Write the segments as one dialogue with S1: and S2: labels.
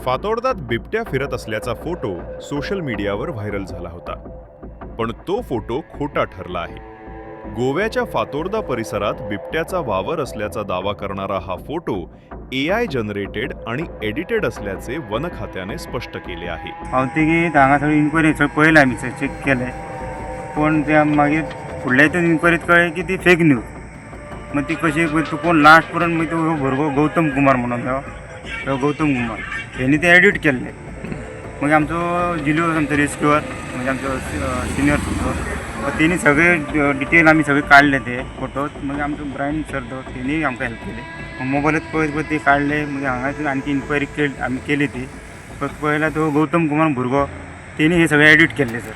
S1: फातोर्डात बिबट्या फिरत असल्याचा फोटो सोशल मीडियावर व्हायरल झाला होता. पण तो फोटो खोटा ठरला आहे. गोव्याच्या फातोर्डा परिसरात बिबट्याचा वावर असल्याचा दावा करणारा हा फोटो AI जनरेटेड आणि एडिटेड असल्याचे वन खात्याने स्पष्ट केले आहे.
S2: पावती की हांगा सगळी इन्क्वायरी पळयला आमी चेक केले, पण त्या मागीर फुडल्या हितून इन्क्वायरीत कळ्ळें की ती फेक न्यूज. मग ती कशी तू कोण लास्ट पर्यंत मग तो भुरगो गौतम कुमार म्हणून तो गौतम कुमार हेणी ते एडिट केल्ले. मग आमचो जिल्हो आमचो रेस्क्युअर म्हणजे आमचो सिनियर तेणी सगळे डिटेल आमी सगळे काढले ते फोटो. मग आमचो ब्रायन सर तो तेणी आमकां हेल्प केली. मग मोबाईलात पळय ते काढले. मग हांगासून आणखी इन्क्वायरी आमी केली ती. पळयला तो गौतम कुमार भुरगो तेणी हे सगळे एडिट केल्ले सर.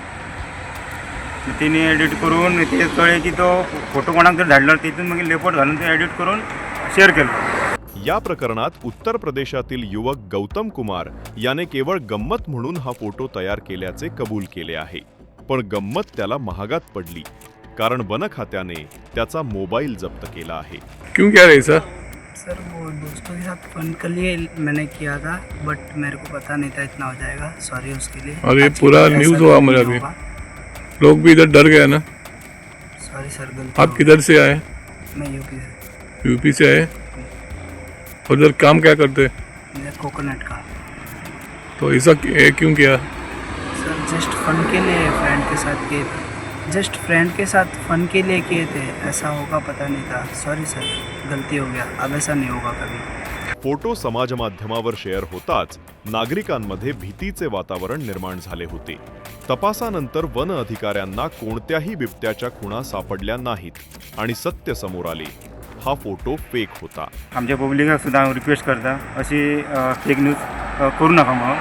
S2: तेणी एडिट करून ते कळ्ळें की तो फोटो कोणाक जर धाडलो तितून मागीर लेपोट घालून ते एडिट करून शेअर केलो.
S1: या प्रकरणात उत्तर प्रदेशातील युवक गौतम कुमार याने केवळ गंमत म्हणून हा फोटो तयार केल्याचे कबूल केले आहे. पण गंमत त्याला महागात पडली, कारण वन खात्याने त्याचा मोबाईल जप्त केला आहे.
S3: क्यों क्या रही सर?
S4: सर वो दोस्तों के साथ फन के लिए मैंने किया था, बट मेरे को पता नहीं था इतना हो जाएगा. सॉरी उसके लिए.
S3: और ये
S4: आज
S3: पूरा
S4: ऐसा
S3: न्यूज़
S4: कभी
S3: हुआ
S4: नहीं
S3: मुझे अभी.
S4: होगा.
S3: लोग भी इधर डर गए ना.
S4: सॉरी सर, गलती
S3: आप
S4: हो
S3: किधर से आए?
S4: गई. मैं यूपी से.
S3: यूपी से आए. और उधर काम क्या करते?
S4: मैं कोकोनट का.
S3: तो ऐसा क्यों किया?
S4: सर जस्ट फन के लिए फ्रेंड के साथ किए थे. जस्ट फ्रेंड के साथ फन के लिए किए थे. ऐसा होगा पता नहीं था. सॉरी सर, गलती हो गया. अब ऐसा नहीं होगा कभी.
S1: फोटो समाजमाध्यमावर शेअर होताच नागरिकांमध्ये भीतीचे वातावरण निर्माण झाले होते. तपासानंतर वन अधिकाऱ्यांना कोणत्याही बिबट्याच्या खुणा सापडल्या नाहीत आणि सत्य समोर आले. हा फोटो फेक होता.
S2: आमच्या पब्लिकाक सुद्दां हांव रिक्वेस्ट करता अशी फेक न्यूज करू नका म्हणून.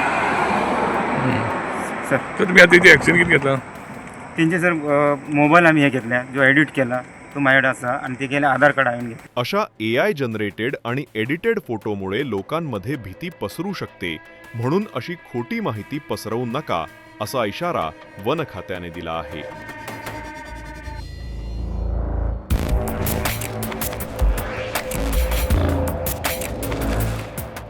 S2: सर
S3: तर तुम्ही आता इथे ॲक्शन किती घेतला?
S2: तेंचे सर मोबाईल आमी हे घेतल्या जो एडिट केला तो माझ्याकडे आसा आणि ते गेले आधार कार्ड हांवें घेतलं.
S1: अशा AI जनरेटेड आणि एडिटेड फोटोमुळे लोकांमध्ये भीती पसरू शकते, म्हणून अशी खोटी माहिती पसरवू नका असा इशारा वन खात्याने दिला आहे.